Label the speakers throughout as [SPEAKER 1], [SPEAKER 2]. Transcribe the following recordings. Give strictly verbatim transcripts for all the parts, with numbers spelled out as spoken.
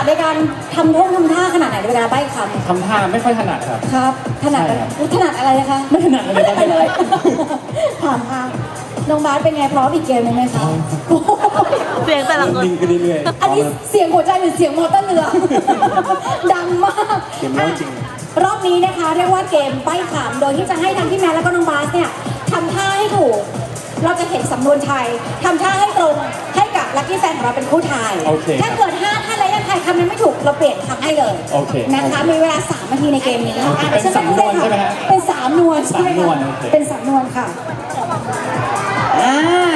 [SPEAKER 1] ในการทำท่งทำท่าขนาดไหนเวลาใบ้คำ
[SPEAKER 2] ทำท่าไม่ค่อยถนัดครับ
[SPEAKER 1] ครับถนัดถนัดอะไรนะคะ
[SPEAKER 2] ไม่ถนัดเลย
[SPEAKER 1] ไม่เลยถามค่ะน้องบาสเป็นไงพร้อมอีกเกมหนึ่งไหมคะ
[SPEAKER 3] เสียงแต่ละคน
[SPEAKER 2] ลิงกันเรื่อย
[SPEAKER 1] อันนี้เสียงหัวใจหรือเสียงมอเตอร์เรือดังมาก
[SPEAKER 2] เกมแล้วจริง
[SPEAKER 1] รอบนี้นะคะเรียกว่าเกมใบ้คำโดยที่จะให้ทั้งพี่แมนแล้วก็น้องบาสเนี่ยทำท่าให้ถูกเราจะเห็นสำนวนไทยทำท่าให้ตรงให้กับลัคกี้แฟนของเราเป็นผู้ทายถ้าเกิดห้าท่านแล้วยังทายคำนั้นไม่ถูกเราเปลี่ยนคำให้เลยนะคะมีเวลาสามนาทีในเกมนี้
[SPEAKER 2] เป็นสำนวนใช่ไหมฮะ
[SPEAKER 1] เป็นสามนวลใช่ไหมเป็นสามนวลค่ะอ่า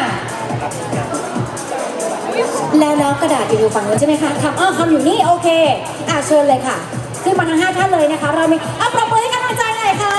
[SPEAKER 1] แล้วแล้วกระดาษอยู่ฝั่งนู้นใช่ไหมคะคำอ้อคำอยู่นี่โอเคอ่าเชิญเลยค่ะขึ้นมาทั้งห้าท่านเลยนะคะเรามีอ่ะปรบมือให้กำลังใจหน่อยค่ะ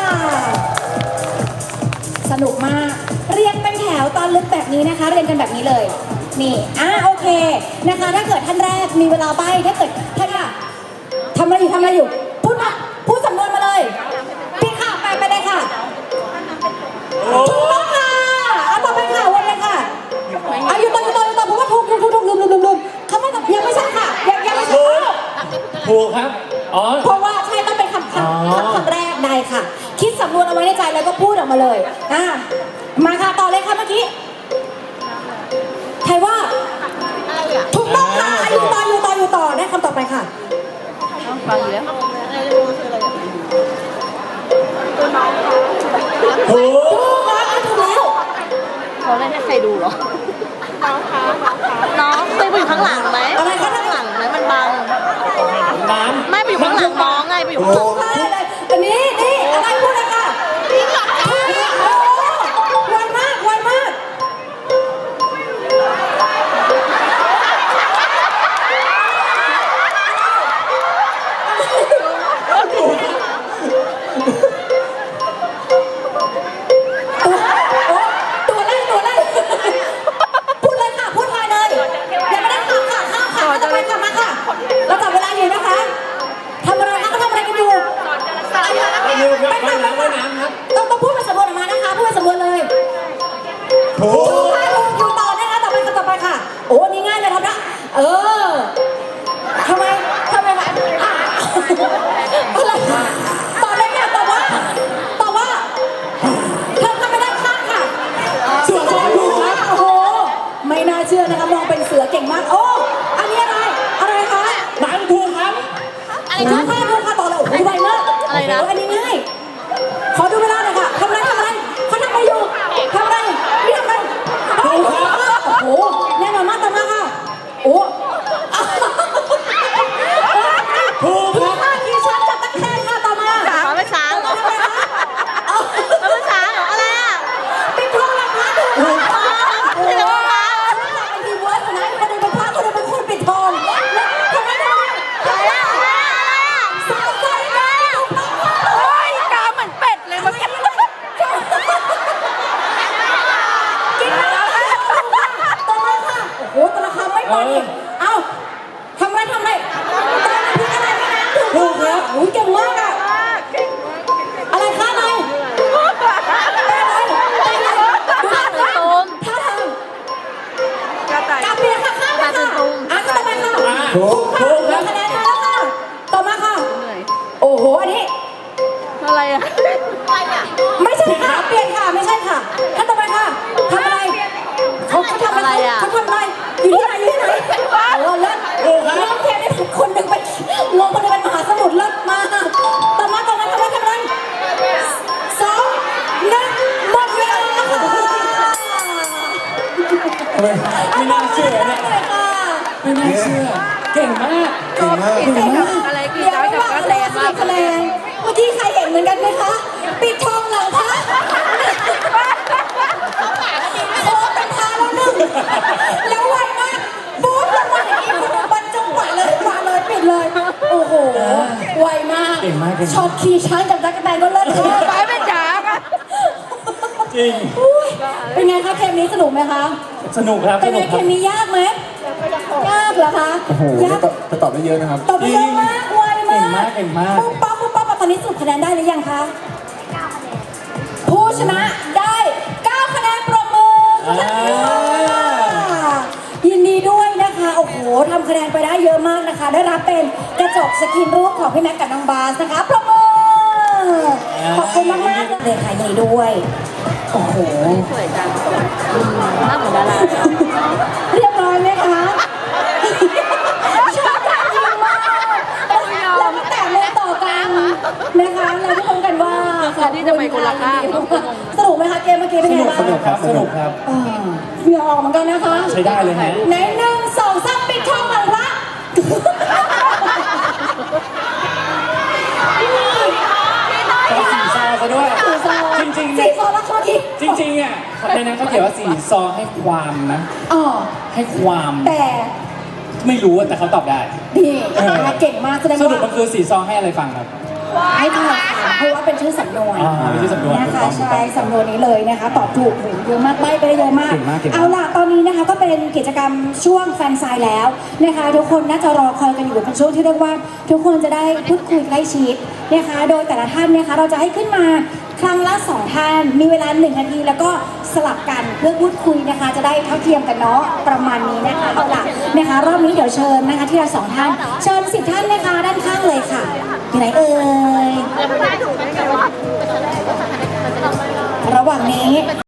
[SPEAKER 1] สนุกมากเรียงเป็นแถวตอนลึกแบบนี้นะคะเรียงกันแบบนี้เลยนี่อ่ะโอเคนะคะถ้าเกิดท่านแรกมีเวลาใบ้ถ้าเกิดท่านอะทำอะไรอยู่ทำอะไรอยู่พูดมาพูดสำนวนมาเลยพี่ค่ะไปไปเลยค่ะถูกต้องค่ะเอาต่อไปค่ะวนเลยค่ะอายุต่ออยู่ต่ออยู่ต่อเพราะว่าถูกถูกถูกถูกลืมลืมลืมลืมเขาไม่ยังไม่ใช่ค่ะยังยังไม่ใช่
[SPEAKER 2] ถูกครับอ๋อ
[SPEAKER 1] เพราะว่าใช่ต้องเป็นคำคำคำแรกได้ค่ะคิดสำนวนเอาไว้ในใจแล้วก็พูดออกมาเลยอ่ะมาค่ะต่อเลยค่ะเมื่อกี้ใครว่าถูกต้องค่ะอยู่ต่ออยู่ต่ออยู่ต่อได้คำต่อไปค่ะ
[SPEAKER 3] ฟังอยู่แล้ว
[SPEAKER 1] ถูกถูกค่ะถูกแล้ว
[SPEAKER 3] เขาเล่นให้ใครดูเหรอน้องคะน้องไปอยู่ข้างหลังไหมอะไรข้างหลังไหมมันบัง
[SPEAKER 2] น้ำ
[SPEAKER 3] ไม่ไปอยู่ข้างหลังน้องไงไปอยู่ข้างหลัง
[SPEAKER 1] อันนี้นี่อะไรพูดเลยค่ะไวมากไวมากตัวเล่นตัวเล่นพูดเลยค่ะพูดมาเลยอย่าไม่ได้ข่าวค่ะข้าวค่ะจะไปค่ะมาค่ะเราจับเวลาอยู่นะคะทำอะไรคะก็ทำอะไรกันอยู่
[SPEAKER 2] ไปน้ำไปน้ำครับ
[SPEAKER 1] ต้องต้องพูดเป็นสำนวนออกมานะคะพูดเป็นสำนวนเลย
[SPEAKER 2] ถูก
[SPEAKER 1] อยู่ต่อนะคะต่อไปค่ะต่อไปค่ะโอ้นี่ง่ายเลยครับนะเออทำไมทำไมคะอ่ะอะไรต่อเลยค่ะต่อว่าต่อว่าเธอทำไม่ได้ข้ามค่ะ
[SPEAKER 2] ส่วนของถูกครับ
[SPEAKER 1] โอ้โหไม่น่าเชื่อนะคะมองเป็นเสือเก่งมากโอ้อันนี้อะไรอะไรคะ
[SPEAKER 2] หนังถูกครับ
[SPEAKER 1] อะไรนะค่ะดูค่ะต่อเลยโอ้โหไวมากอะไรนะอันนี้ง่ายขอดูเวลาหน่อยค่ะทำอะไรทำอะไรเขาทำอะไรอยู่ทำอะไรนี่ทำอะไรโอ้โหแน่นอนมากต่อมาค่ะโอ้
[SPEAKER 2] ถูกครับ
[SPEAKER 1] ท่าทีช้างจับตะแคงค่ะต่อมา
[SPEAKER 3] เขาไม่ช้างเหรอเขาไม่ช้างเหรออะไรอ่ะ
[SPEAKER 1] ปิดทองหลังพระถูก
[SPEAKER 3] ไม่รู้ค่ะ
[SPEAKER 1] ไอ้ทีเวิร์ดนะคนนึงเป็นพระคนนึงเป็นคนปิดทองทำไมทำไม
[SPEAKER 3] อะไรอ่ะอะไรอ่ะ
[SPEAKER 1] สาวใจเลย
[SPEAKER 3] โอ้ยกาเหมือนเป็ดเลยมันกิน
[SPEAKER 1] กินแล้วต่อมาค่ะโอ้โหแต่ละคำไม่พออีกเอ้าทำไรทำไรถูกครับโอ้ยเก่งมากอะอะไรคะอะไรท่าทางท่าทางกาเปียค่ะข้ามไปค่ะอ่ะต่อไปค่ะ
[SPEAKER 2] ถูกถูกครับ
[SPEAKER 1] คะแนนมาแล้วค่ะต่อมาค่ะโอ้โหอันนี้
[SPEAKER 3] อะไรอ่ะ
[SPEAKER 1] ไม่ใช่ค่ะเปลี่ยนค่ะไม่ใช่ค่ะท่านต่อไปค่ะทำอะไรเขาเขาทำอะไรเขาทำอะไรอยู่ที่ไหนอยู่ที่ไหนโอ้เลิศเลิศเทียนนี่คนหนึ่งเป็นลงคนหนึ่งเป็นมหาสมุทรเลิศมากต่อมาต่อมาทำอะไรทำอะไรสองหนึ่งหมดเวลาค่ะ
[SPEAKER 2] ไม่น่าเชื่อเนี่ยไม่น่าเชื่อเก่งมาก
[SPEAKER 3] เก่งมากเก่งมากอะไรคือจะจับกระแสมาก
[SPEAKER 1] คะแนนเมื่อกี้ใครเห็นเหมือนกันไหมคะปิดทองหลังพระโอ้เป็นทาแล้วหนึ่งแล้วไวมากบู๊ดลงมาอย่างนี้บรรจุกว่าเลยกว่าเลยปิดเลยโอ้โหไวมากช็อตขี่ช้างจับจักรแตนก็เลิศเลย
[SPEAKER 3] ไปไม่จ๋า
[SPEAKER 2] จริง
[SPEAKER 1] เป็นไงคะเกมนี้สนุกไหมคะ
[SPEAKER 2] สนุกครับ
[SPEAKER 1] เป็นไงเกมนี้ยากไหมยากเหรอคะ
[SPEAKER 2] ยากแต่ตอบได้เยอะนะครับ
[SPEAKER 1] ตอบได้เยอะมากไวมาก
[SPEAKER 2] เก่งมากเก่งมาก
[SPEAKER 1] ปุ๊บปั๊บปุ๊บปั๊บตอนนี้สรุปคะแนนได้หรือยังคะผู้ชนะได้เก้าคะแนนปรบมือยินดีด้วยนะคะโอ้โหทำคะแนนไปได้เยอะมากนะคะ ได้รับเป็นกระจกสกรีนรูปของพี่แม็กกับน้องบาสนะคะปรบมือขอบคุณมากๆเลยค่ะยินดีด้วยโอ้โห
[SPEAKER 3] สวยจังหน้าเหมือนดารา
[SPEAKER 1] เรียบร้อยไหมคะชอบการยิงมากแล้วก็แต่เลยต่อกันนะคะเราทุกคนกันว่าขอบคุณค่ะสนุกไหมคะเกมเมื่อกี้เป็น
[SPEAKER 2] ส
[SPEAKER 1] ไง
[SPEAKER 2] นุก
[SPEAKER 1] บ้าง
[SPEAKER 2] สนุกครับสนุกครับ
[SPEAKER 1] เออเหงื่อออกเหมือนกันนะคะ
[SPEAKER 2] ใช้ได้เลยฮะ
[SPEAKER 1] ในหนึ่งสองสามปิดทองหลังพระ
[SPEAKER 2] ก็สี่ซองซะด้วย
[SPEAKER 1] สี่ซอง
[SPEAKER 2] จริงๆ
[SPEAKER 1] สี่ซองแล้วข้อที่
[SPEAKER 2] จริงๆอ่ะในนั้นเขาเขียนว่าสี่ซองให้ความนะ
[SPEAKER 1] อ๋อ
[SPEAKER 2] ให้ความ
[SPEAKER 1] แต่
[SPEAKER 2] ไม่รู้อะแต่เขาตอบได้
[SPEAKER 1] ดี
[SPEAKER 2] เออ
[SPEAKER 1] นะคะเก่งมากแสดง
[SPEAKER 2] สรุป
[SPEAKER 1] ว่า
[SPEAKER 2] มันคือสี่ซองให้อะไรฟังครับ
[SPEAKER 1] ให้ทายค่ะเพราะว่าเป็นชื่อสำนวน
[SPEAKER 2] อ่าเป็นชื่อสำนวน
[SPEAKER 1] นะ
[SPEAKER 2] ถูก
[SPEAKER 1] คะ
[SPEAKER 2] ต้องถูกต้อง
[SPEAKER 1] ใช่สำนวนนี้เลยนะคะตอบถูกโหเยอะมากใบ้ไปได้เยอะมาก
[SPEAKER 2] เก่งมากเก่งมาก
[SPEAKER 1] เอาล่ะตอนนี้นะคะก็เป็นกิจกรรมช่วงแฟนไซน์แล้วนะคะทุกคนน่าจะรอคอยกันอยู่เป็นช่วงที่เรียกว่า ทุกคนจะได้พูดคุยใกล้ชิดนะคะโดยแต่ละท่านนะคะเราจะให้ขึ้นมาครั้งละสองท่านมีเวลาหนึ่งนาทีแล้วก็สลับกันเพื่อพูดคุยนะคะ จะได้เท่าเทียมกันเนาะประมาณนี้นะคะเอาล่ะนะคะรอบนี้เดี๋ยวเชิญนะคะที่เราสองท่านเชิญสิบท่านนะคะด้านข้างเลยค่ะอยู่ไหนเอ่ยระหว่างนี้